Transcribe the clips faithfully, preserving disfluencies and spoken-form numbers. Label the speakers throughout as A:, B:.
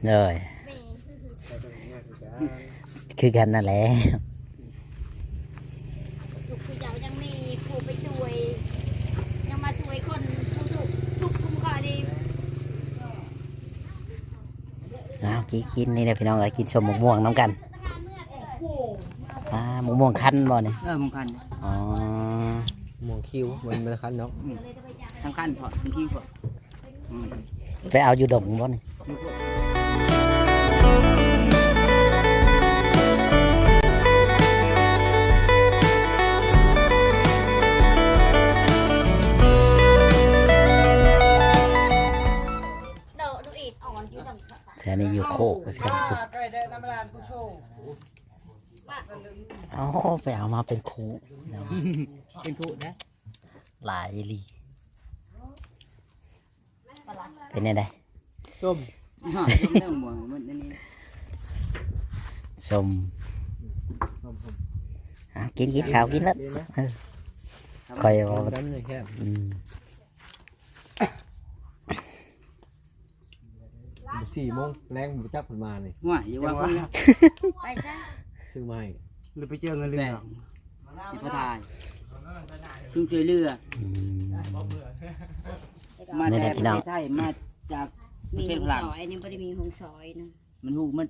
A: rồiคือกันนั่นแหละ
B: ลูกคือเจ้ายังมีครูไปช่วยยังมาช่วยคนทุกทุกคุ้มค่าดี
A: เอากินกินนี่แหละพี่น้องเลยกินชมมะม่วงน้ำกันอ่ามะม่วงคั้นบ่เนี่ย
C: เออมงคัน
A: อ๋อ
D: มองคิ้วมันมันคันเนาะ
C: สำคัญพอทั้งที่พอ
A: ไปเอาอยู่ดงบ่เนี่ย
B: โดดดูอีกอ่อนอยู่ดำ
A: แถวนี้อยู่โคกไปพี่น้อง
E: ไก่ได้น้ำร้านผู้โชว์
A: อ๋อไปเอามาเป็นคูพี่น้อง
C: เป็นคู่นะ
A: หลายอีหลีเป็นยังไง
D: ส้ม
C: ฮะยมเรื่องหมวงมันนี่
A: ชมอ่ะกินกินข้าวกินแล้ว
D: ดีไหม
A: เออคอยว่า
D: น้ำเลยแค่
A: อืม
D: สี่โมงแรงบุจับผลมาเลย
C: ว่าอยู่ว่าคนละ
B: ไปซะ
D: ซื้อมาให้
E: หรือไปเจอเงินเรื
C: แบ่
E: อง
C: ที่พระทายชุ่มช่วยเรือ
A: อืม
C: มา
A: นี่แห
C: แต่
A: ละ
C: ป
A: พี่
C: ระ
A: น้อง
C: เทศไทยมาจากป
B: มี
C: ระเท
B: ห
C: ศ
B: ง
C: ฝรั่ง
B: ซอยนี่ไม่ได้มีหงซอยนะ
C: มันหูมัน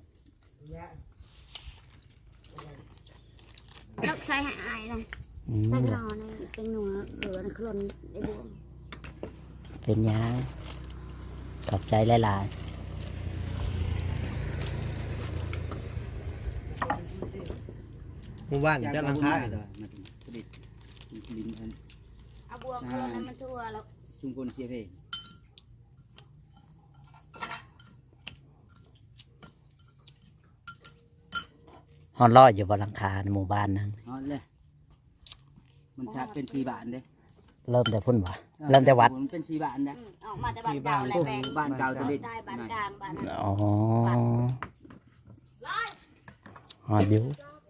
B: ลักใส่หายนะ
A: อื
B: ใส่
A: ม
B: กรอนี่เป็นหนัวเหลือนะคลนไอ้บวง
A: เป็นยังขอบใจหลาย
D: หมู่บ้านจะลังคา
C: เล
D: เลย ย
C: มาถึงผลิตลินอัน
B: เอาบวงคลนให้มันทั่วแล้ว
C: ชุมพลเชียร์เพลง
A: ๆฮอนลอยอยู่บนหลังคาในหมู่บ้านนั่น
C: อ๋อเลยมันชาเป็นสี่บาทเด้
A: เริ่มแต่พุ่นบ่เริ่มแต่วัด
C: มันเป็นสี่บาทนะ
B: อืมออกมาแต่บ้านเก่าแหละแบง
C: บ้านเก่าตะลิด
B: ได้บ้านกลางบ้านนั้น
A: อ๋อฮอนอยู่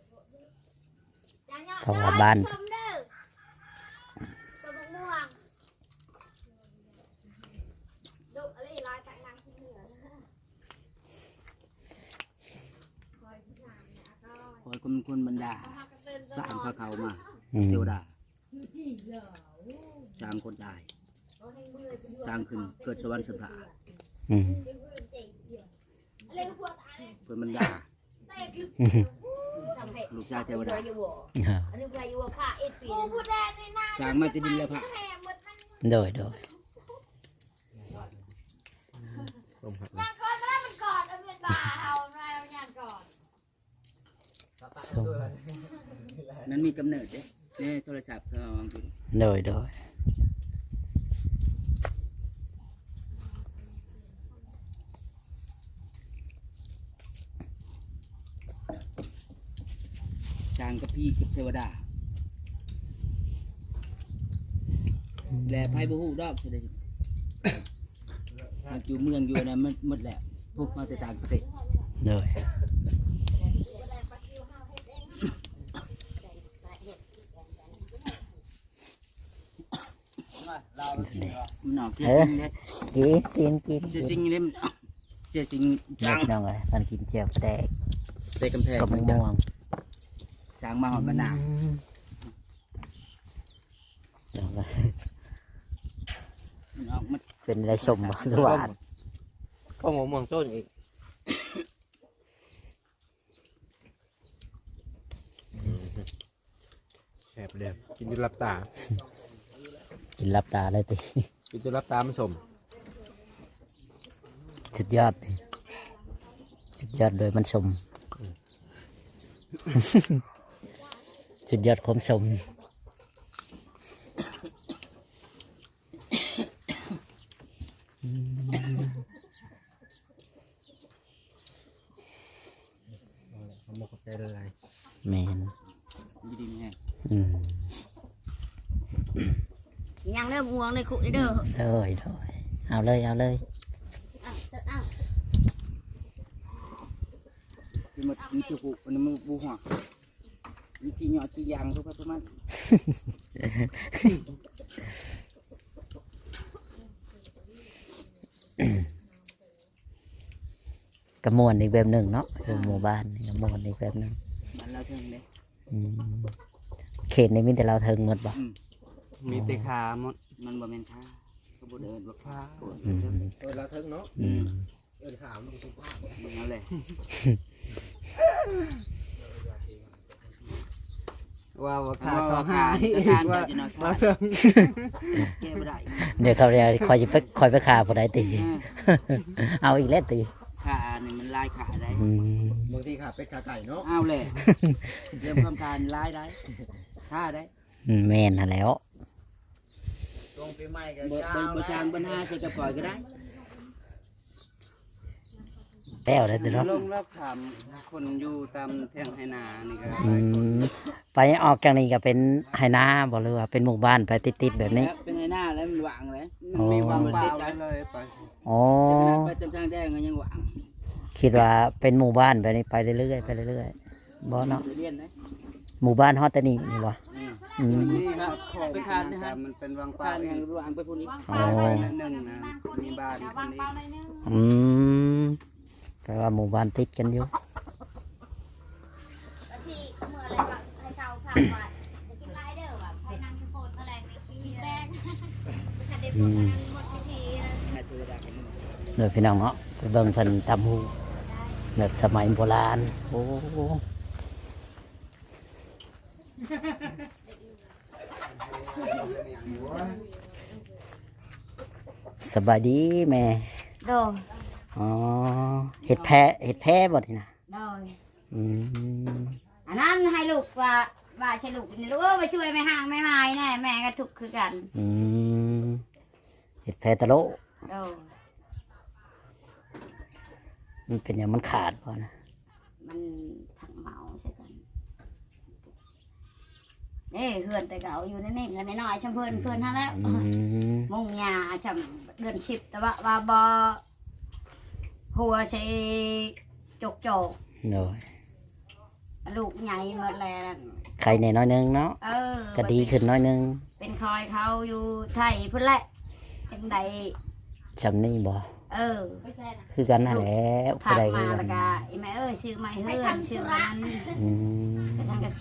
A: เข้ามาบ้าน
B: ชมเด้อชมมะม่วงดุอะไรลายจากนางขี้เหนือนะคอยที่นางเนี่ยก็
C: คอยคนคนบรรดา
B: พากันเดิน
C: สร้างพระเขามา
A: อืม
C: เทวดาสร้างคนตายสร้างขึ้นเกิดสวรรค์สถาน
A: อืม
B: อะไรก็พวกตาย
C: เพื่อนบรรดา
A: อืม
C: ลูกชายเทวดา
B: อันนี้ใครอยู่ว่าผ้าเอ็ดปีผู้แดงนี่นะ
C: สร้างมาจะดินและพระ
A: โดยโดย
D: ส้มผัก
B: ย่างก่อนมาแล้วมันก่อนเอาเงินบาเอามาเอาย่างก่อน
A: ส้ม
C: นั้นมีกำเนิดเด้เนี่ยโทรศัพท์เขาเอาไป
A: โดยโดย
C: สร้างกับพี่กับเทวดาแหล่ไพ่บุหูดอกเฉยมันอยู่เมืองอยู่นะมันหมดแล้วพวกมาแต่ต่างประเทศ
A: โดย
C: มันหนอกเจ๊จริงเลย
A: กินกินกิน
C: เจ๊จริงเลยเจ๊จริง
A: เด็
C: จั
A: ก
C: ง
A: น้องเลยมันกินเจียวแดก
C: เตะกำแพง
A: กับมะม่วง
C: สร้างมาหอดมะนาว
A: เดี๋ยวนะ
C: มันออกมา
A: เป็นอะไรสมบ่หรือหวาน
D: ก็หมูม่วงต้นอีกแสบเลยกินจนรับตา
A: กินรับตาเลยติ
D: กินจนรับตามันสม
A: สุดยอดดิสุดยอดโดยมันสม สุดยอดความสม
D: มันหมกกับใจละลาย
A: แมน
C: ดีดีไง
A: อืม
B: ยังเริ่มม่วงในคุกนี่เด้อ
A: โดยโดยเอาเลยเอาเลย
B: อ้าวอ้าว
C: มันมันจะกูมันมันบูหัวมันกี่หยอดกี่ยางทุกประมาณ
A: กกระมวลอีกแบบหนึ่งเนาะคือหมู่บ้านนี่กระมวลอีกแบบหนึ่ง
C: มันเราถึงเลย
A: อืมเขตในมิแต่เราเทิงหมดบ่
E: มีแต่ขาหมด
C: มันบ่แม่นค่าก็บ่เดินบ่ค่าโอ้ย
A: อืม
D: เออเราเทิงเนาะ
A: อืม
D: เออถามมันสุภาพ
C: มึงเอาเลย
E: ว่าว่าขา
C: ขา
E: ก็
C: ก็
E: หา
C: หาย ยทาน
E: ว่า
C: จะนอน
E: ว่า
C: ขา
E: เทิง
C: แก้บ่ได้
A: เดี๋ยวเขาเรียกคอยจะไปคอยไปขาผู้ใดตี
C: เออ
A: เอาอีกแล้วตี
C: ขานี่มันลายขาได้
A: อืม
D: บางทีขาเป็ดขาไก่เนาะ
C: เอาเลยเริ่มความการลายได้ท่าได้
A: อืมแม่นหั่นแหล้ว
D: ตรงปีใหม่กัน
C: บ่บ่บ่ช่างปัญหาใส่กระป๋อยก็ได้
A: แล้วได้ตีเนาะ
E: ลงแล้วถามคนอยู่ตามแท่งไหนานี่ก็
A: อืมไปออกจากนี้ก็เป็นไหนาบ่หรือว่าเป็นหมู่บ้านไปติดๆแบบนี้
C: เป็นไงหน้าแล้วมันหวางเลย
A: อ๋อ
C: มีความ
E: เป
C: เป
E: ล่า
C: ล่า
E: ไป
C: เลย
E: เลยไป
A: อ๋อ
C: ไปจำทางแดงก็ยังหวาง
A: คิดว่าเป็นหมู่บ้านแบบนี้ไปเรื่อยๆไปเรื่อยๆบ่เนาะ
C: ไปเรียนนะ
A: หมู่บ้านฮอดแต่นี่นี่บ่
C: อืม
A: อืม
E: นี่ครับไปทานนะฮะมันเป็นวางเปล่า
C: ผ่าน
E: อี
C: ทาง
E: ก
C: หวางไปพุ่นอีก
B: วางเปล่าหน่อยนึง
E: หนึ่งนะมีบ้าน
B: เดี๋ยว
E: ค
B: วาน ง
E: นี้
B: เปล่าหน่อยนึง
A: อืมแปลว่าหมู่บ้านติดกันอยู่
B: แล้วที่เมื่ออะไรแบบให้เขาพักว่าจะกินไรเด้อแบบให้นั่งสะโพดอะไรไม่มีแดงไม่ทันได้พูดกันหมดพิธีนะ
C: แม่ตัวดากัน
A: เดี๋ยวพี่น้องเนาะไปเบิ่งเพิ่นตำหูแบบสมัยโบราณโอ้สบายดีแม่
B: โดย
A: อ๋อเห็ดแพ้เห็ดแพ้บ่นี่นะ
B: โดย
A: อืม
B: อันนั้นให้ลูกว่าว่าใช่ลูกนี่ลูกเออไปช่วยแม่ห่างแม่ไม้แน่แม่ก็ทุกข์คือกัน
A: อืมเห็ดแพ้ตะโล
B: โดย
A: มันเป็นอย่างมันขาดบ่นะ
B: มันถังเมาใช่กันเอ้เฮือนแต่เก่าอยู่นั่นนี่เงินน้อยๆช่ำเพิ่นเพิ่นท่านแล้ว
A: อืม
B: มุ่งยาช่ำเดือนสิบแต่ว่าว่าบอหัวใช้จกจก
A: โดย
B: ลูกใหญ่หมดแล้ว
A: ใครในน้อยหนึงเนาะ
B: เออ
A: ก็ดีขึ้นน้อยหนึง
B: เป็นคอยเขาอยู่ไทยพุ่นแหละจังใด
A: จำนี่บ่
B: เออ
A: คือกันนั่นแหละ
B: พา
A: ผู้ใด
B: มา
A: คือกั
B: แล้ว
A: น
B: ก็ไอ้แม่เอ้ยซื้อไม้เฮือนซื้อไม้นั้น
A: อืม
B: กระทังกะซี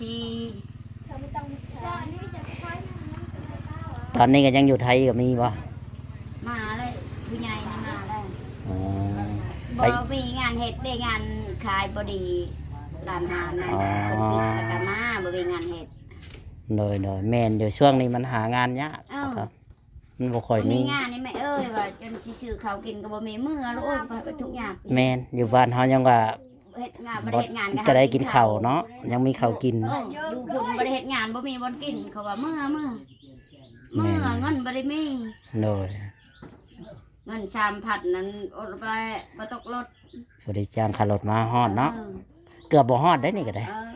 A: ตอนนี้ก็ยังอยู่ไทยก็มีบ่
B: มาเลยผู้ใหญ่นี่มาเลย
A: อ๋อ
B: บ
A: ไป
B: อมีงานเฮ็ดได้งานขายบดีร้านอาหารนะ
A: อ๋อ
B: คนปิดแล้วก็มาบ่มีงานเฮ็ด
A: โดยโดยแม่นอยู่ช่วงนี้มันหางานยาก
B: อ้าว
A: ครับมันบ่ค่อย
B: มี
A: มี
B: งานนี่แม่เอ้ยว่าจนสิซื้อข้าวกินก็บ่มีมื้อแล้วโอ้ยไปทุกอย่าง
A: แม่นอยู่บ้านเฮายังว่า
B: เฮ็ดงานบ่ได้เฮ็ดงาน
A: ก็ได้กินข้าวเนาะยังมีข้าวกิน
B: เอออยู่พุ่นบ่ได้เฮ็ดงานบ่มีบ่กินเขาว่ามื้อมื้อมื้อเงินบ่ได้มี
A: โดย
B: เงินสามพันนั้นอดไปบ่ตกรถ
A: บ่ได้จ้างค่ารถมาฮอดเนาะ
B: ออ
A: เกือบบ่ฮอดได้นี่ก็ได้
B: เออ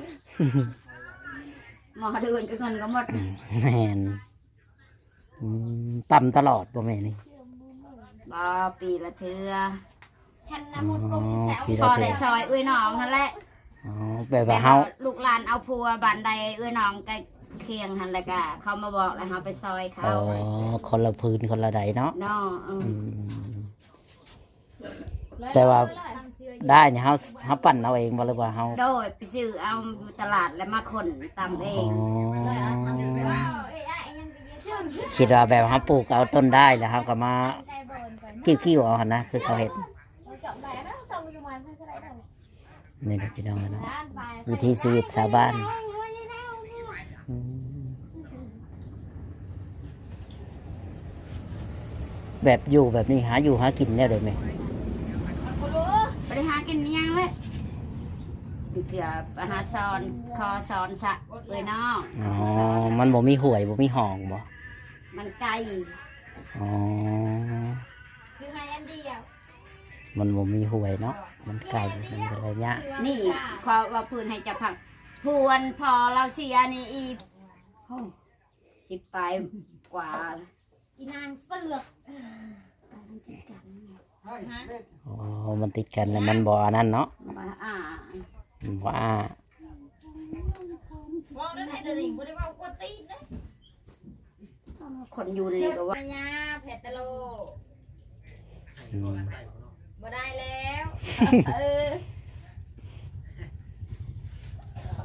B: หมอเดือนก็เงินก็หมด
A: แม่นอืมต่ำตลอดบ่แม่นี่
B: บ่ปีละเทื่อ
A: อ๋อปี
B: พ
A: ละ
B: อ
A: เทื่
B: ได้
A: อ
B: ซอยเอ้ยน้องนั่นแหละ
A: อ๋อแบบว่า
B: แบบ
A: เฮา
B: ว่าลูกหลานเอาพัวบ้านใดเอ้ยน้องใกล้เคียงหั่นแหละก็เขามาบอกแล้วเฮาไปซอยเขา
A: อ๋อคนละพื้นคนละใดเนาะ
B: เนาะเออ
A: อืมแต่ว่าได้เนี่ยเฮาเฮาปั่นเอาเองบ่หรือว่าเฮา
B: โดยไปซื้อเอาอยู่ตลาดแล้วมาคนตำเอ
A: อ๋อง คิดว่าแบบเฮาปลูกเอาต้นได้แล้วเฮาก็มากิ้วๆเอาหั่นนะคือเขาเฮ็ดนี่นะพี่น้องเนาะวิถีชีวิตชาวบ้านอืมแบบอยู่แบบนี้หาอยู่หากินได้เลยไหม
B: ไปหากินอิหยังเลยเกือบหาซอนคอซอนสะเอ้ยน้อง
A: อ๋อ มันบ่มีหวยบ่มีห้องบ่
B: มันไกล
A: อ๋อ
B: คือให้อันเดียว
A: มันบ่มีหวยเนาะ มันไกลมันเป็นระยะ
B: นี่ขอว่าพื้นให้จะผักพวนพอเราเสียนี่อีกโอ้สิบไปกว่า
F: อีนางเสือก
A: อ๋อ มันติดกันแล้วมันบ่อันนั้นเนาะ
B: มาอ่า
A: มันบ่อ้า
F: ว่านั่นไอ้เดลิงบ่ได้ว่ากวนตีนนะ
B: คนอยู่นี่ก็ว่า
F: ปัญญาเพชรตะโล
A: อืม
F: บ่ได้แล้ว
B: เออ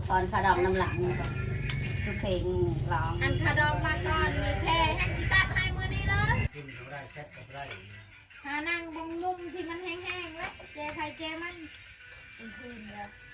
B: ตอนขาดำน้ำหลังคือเพลงร้อง
F: อันคาดองมาก่อนมีแพรแห้งสิตัดให้มือนี้เลย
D: กินเขาได้แชทก็ได้
F: หานั่งบงมุมที่มันแห้งๆแล้วเจใครเจมันเป็นคืนแล้ว